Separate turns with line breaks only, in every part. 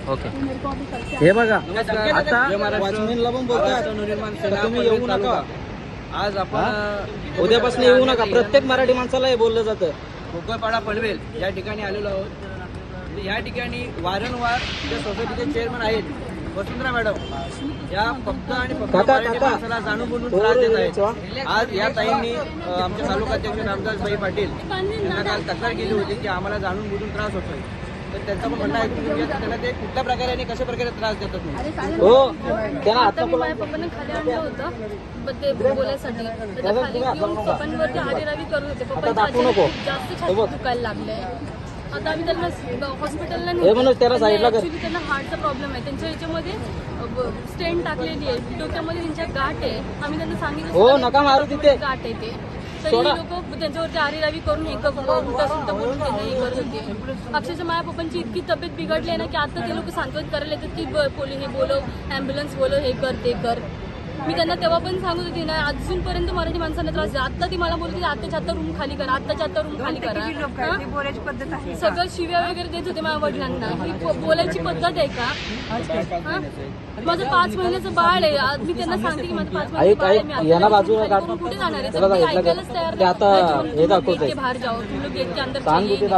Okay. हे बघा आता
वॉचमॅनला पण बोलतात तुम्ही येऊ नका. आज आपण
उद्यापासून येऊ नका. प्रत्येक मराठी माणसाला हे बोललं जातं.
भोकरपाडा पनवेल या ठिकाणी आलेलो आहोत. या ठिकाणी वारंवार जे सोसायटीचे चेअरमन आहेत वसुंधरा मॅडम या फक्त आणि फक्त मराठी माणसाला जाणून बोलून त्रास देत आहेत. आज या ताईंनी आमच्या तालुकाध्यक्ष रामदासभाई पाटील यांना काल तक्रार केली होती की आम्हाला जाणून बोलून त्रास होतोय. तर त्यांचं पण म्हणणं ऐकून घेऊया की त्यांना ते कुठल्या प्रकारे आणि कशा प्रकारे त्रास देतात म्हणून.
हो त्याला
आता मी माझ्या पप्पांना खाली आणलं होतं ते बोलायसाठी. तर खाली घेऊन पप्पांवरती आरेरावी करत होते. पप्पांच्या जास्त छाती दुखायला लागले. आता आम्ही त्यांना हॉस्पिटलला ऍक्च्युली त्यांना हार्टचा प्रॉब्लेम आहे. त्यांच्या याच्यामध्ये स्टेंट टाकलेली आहे डोक्यामध्ये. त्यांच्या गाठ आहे. आम्ही त्यांना सांगितलं गाठ आहे ते. तरी लोक त्यांच्यावरती आरेरावी करून उलटा सुलटा बोलून त्यांना हे करत होते. अक्षरशः माझ्या पप्पांची इतकी तब्येत बिघडली आहे ना की आता ते लोक सांत्वन करायला येतात की हे बोलव, ॲम्ब्युलन्स बोलव, हे कर ते कर. मी त्यांना तेव्हा पण सांगत होती ना अजूनपर्यंत मराठी माणसांना त्रास आहे. आता ती मला बोलते आत्ताच्या आता रूम खाली करा, आत्ताच्या आता रूम खाली करा. सगळं शिव्या वगैरे देत होते माझ्या वडिलांना. ही बोलायची पद्धत आहे का? माझं 5 महिन्याचं बाळ आहे. मी त्यांना सांगते की माझं 5 महिन्याचं बाळ आहे. मी कुठे जाणार आहे? तर ऐकायलाच तयार नाही. बाहेर जाओ तुम गेट के अंदर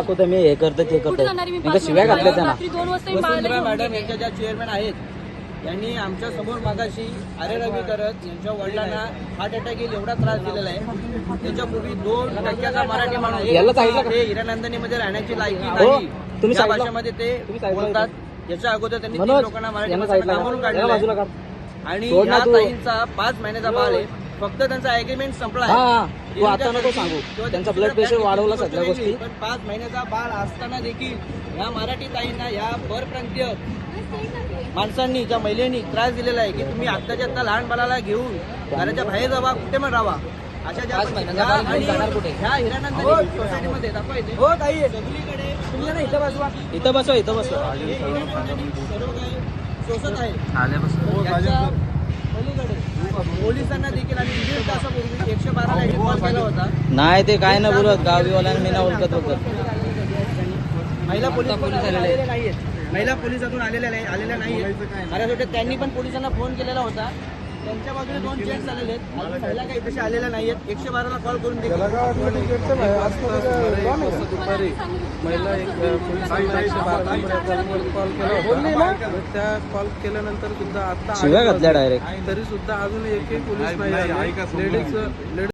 कुठे जाणार आहे? मी रात्री 2 वाजता मी बाळाला
मॅडम यांच्या ज्या चेअरमॅन आहेत यांनी आमच्या समोर मागाशी आरेरावी करत यांच्या वडिलांना हार्ट अटॅक येईल एवढा त्रास दिलेला आहे. त्याच्यापूर्वी 2% मराठी माणूस हे हिरानंदनीमध्ये राहण्याची लायकी नाही त्या भाषेमध्ये ते बोलतात. याच्या अगोदर त्यांनी 3 लोकांना मराठी म्हणून काढलेलं. आणि या ताईंचा 5 महिन्याचा बाळ आहे. फक्त त्यांचा अग्रीमेंट संपला आहे.
आता नको सांगू त्यांचा ब्लड प्रेशर वाढवला सगळ्या गोष्टी.
पण 5 महिन्याचा बाळ असताना देखील या मराठी ताईंना या परप्रांतीय माणसांनी ज्या महिलांनी त्रास दिलेला आहे की तुम्ही आत्ताच्या आत्ता लहान बाळाला घेऊन घराच्या बाहेर जावा, कुठे पण राहा. अशा ज्या ह्या हिरानंदनी सोसायटीमध्ये दाखवायचे सगळीकडे
इथं बसवा
सोसत आहे. पोलिसांना देखील आणि 1.5 तासापूर्वी 112ला कॉल केला होता.
नाही ते काय ना बोलत गावीवाल्यांना मी ना ओळखत होतं.
महिला पोलीस आलेले नाहीये. महिला पोलिसातून आलेल्या नाहीये. माझ्यासाठी त्यांनी पण पोलिसांना फोन केलेला होता. त्यांच्या बाजूने 2 चेक्स आलेले आहेत. महिला काही तशा आलेल्या नाहीयेत. 112ला कॉल करून देखील
त्या कॉल केल्यानंतर सुद्धा आता
शिव्या घातल्या डायरेक्ट.
तरी सुद्धा अजून एकही पोलीस नाही. लेडीज